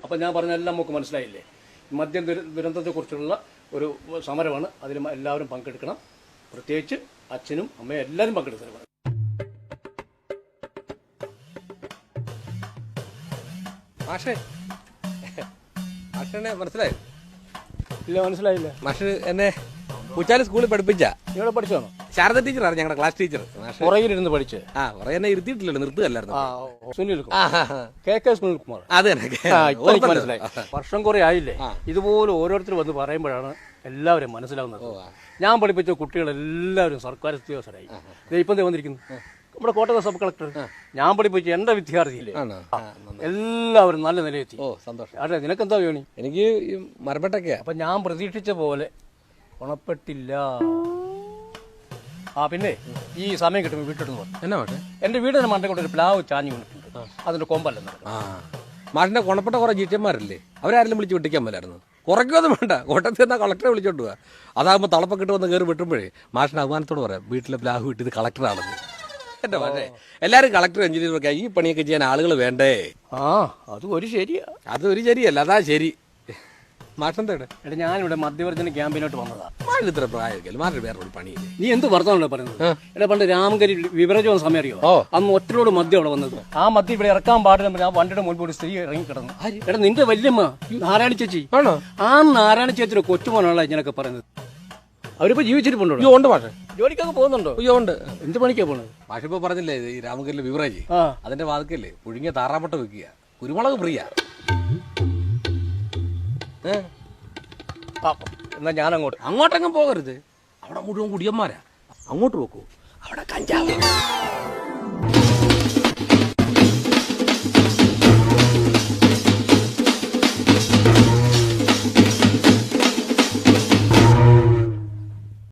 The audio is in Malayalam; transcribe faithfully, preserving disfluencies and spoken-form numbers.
അപ്പം ഞാൻ പറഞ്ഞ എല്ലാം നമുക്ക് മനസ്സിലായില്ലേ? മദ്യം ദുരന്തത്തെക്കുറിച്ചുള്ള ഒരു സമരമാണ്. അതിൽ എല്ലാവരും പങ്കെടുക്കണം. പ്രത്യേകിച്ച് അച്ഛനും അമ്മയും എല്ലാവരും പങ്കെടുക്കണം. മാഷേ മാഷിനെ മനസ്സിലായോ? ഇല്ല, മനസ്സിലായില്ല. മാഷ് എന്നെ പൂച്ചാലി സ്കൂളിൽ പഠിപ്പിച്ച ഇവിടെ പഠിച്ചാണോ? ശാരദ ടീച്ചറാണ് ഞങ്ങളുടെ ക്ലാസ് ടീച്ചർ. പുറകിലിരുന്ന് പഠിച്ച് ആ കുറെ എന്നെ ഇരുത്തിയിട്ടില്ലല്ലോ, നിർത്തുകയല്ലായിരുന്നു. K K Sunilkumar. അത് തന്നെ മനസ്സിലായി. വർഷം കുറെ ആയില്ലേ ഇതുപോലെ ഓരോരുത്തർ വന്ന് പറയുമ്പോഴാണ് എല്ലാവരും മനസ്സിലാവുന്നത്. ഞാൻ പഠിപ്പിച്ച കുട്ടികളെല്ലാവരും സർക്കാർ ഉദ്യോഗസ്ഥരായി. ഇപ്പം വന്നിരിക്കുന്നു നമ്മുടെ കോട്ടയം സബ് കളക്ടർ. ഞാൻ പഠിപ്പിച്ച എന്റെ വിദ്യാർത്ഥിയില്ലേ എല്ലാവരും നല്ല നിലയെത്തി. ഓ സന്തോഷം. അതെ, നിനക്കെന്താ വേണി? എനിക്ക് മരപ്പെട്ടൊക്കെയാ. അപ്പൊ ഞാൻ പ്രതീക്ഷിച്ച പോലെ ഗുണപ്പെട്ടില്ല. ആ പിന്നെ ഈ സമയം കിട്ടുമ്പോൾ വീട്ടിടുന്നു എന്നാ മാഷേ? എന്റെ വീടിന് മണ്ടേ കൊണ്ട് ഒരു പ്ലാവ് ചാഞ്ഞു കൊണ്ടിട്ടുണ്ട്. അതിന്റെ കൊമ്പല്ല. ആ മാഷിന്റെ ഗുണപ്പെട്ട കുറെ ജീറ്റന്മാരല്ലേ, അവരാരെങ്കിലും വിളിച്ച് വെട്ടിക്കാൻ പോലായിരുന്നു. കുറയ്ക്കൊന്നും വേണ്ട, കോട്ടയത്ത് നിന്നാ കളക്ടറെ വിളിച്ചോണ്ട് പോവാ. അതാകുമ്പോൾ തളപ്പൊക്കെ ഇട്ട് വന്ന് കയറി വെട്ടുമ്പോഴേ മാഷിന്റെ അഭിമാനത്തോട് പറയാം വീട്ടിലെ പ്ലാവ് വിട്ടത് കളക്ടറാണെന്ന്. എന്റെ മാഷേ, എല്ലാവരും കളക്ടർ എഞ്ചിനീയറൊക്കെ ഈ പണിയൊക്കെ ചെയ്യാൻ ആളുകൾ വേണ്ടേ? ആ അത് ഒരു ശരിയാ. അത് ഒരു ശരിയല്ല, അതാ ശരി. മാഷെന്താ? എടാ ഞാനിവിടെ മധ്യവർജന ക്യാമ്പിനോട്ട് വന്നതാ. മാഷ് ഇത്ര പ്രായമൊക്കെ മാഷ് വേറെ ഒരു പണിയില്ലേ? നീ എന്ത് വർത്തമാനല്ലേ പറയുന്നത്? എടാ പണ്ട് രാമങ്കരി വിവരജോ സമയം അറിയോ? അന്ന് ഒറ്റലോട് മദ്യം അവിടെ വന്നത്. ആ മദ്യം ഇവിടെ ഇറക്കാൻ പാടില്ല. ആ വണ്ടിയുടെ മുൻപ് ഒരു സ്ത്രീ ഇറങ്ങി കിടന്നു. എടാ നിന്റെ വല്യമ്മ നാരായണ ചേച്ചി ആണോ? ആ നാരായണ ചേച്ചിയുടെ കൊച്ചുമോനാണല്ലോ ഇങ്ങനൊക്കെ പറയുന്നത്. അവരിപ്പോ ജീവിച്ചിരിപ്പുണ്ടോ? അയ്യോ ഉണ്ട് മാഷെ. ജോലിക്കൊക്കെ പോകുന്നുണ്ടോ? അയ്യോ ഉണ്ട്. എന്ത് പണിക്കാ പോണത്? മാഷ് ഇപ്പൊ പറഞ്ഞില്ലേ ഈ രാമകരിലെ വിവറേജ്, അതിന്റെ വാതിക്കല്ലേ പുഴുങ്ങിയ താറാപ്പട്ട വെക്കുക, കുരുമുളക് ഫ്രീയാ. എന്നാ ഞാൻ അങ്ങോട്ട് അങ്ങോട്ടെങ്ങും പോകരുത്. അവിടെ മുഴുവൻ കുടിയന്മാരാ. അങ്ങോട്ട് പോക്കൂ, അവിടെ കഞ്ചാവ്.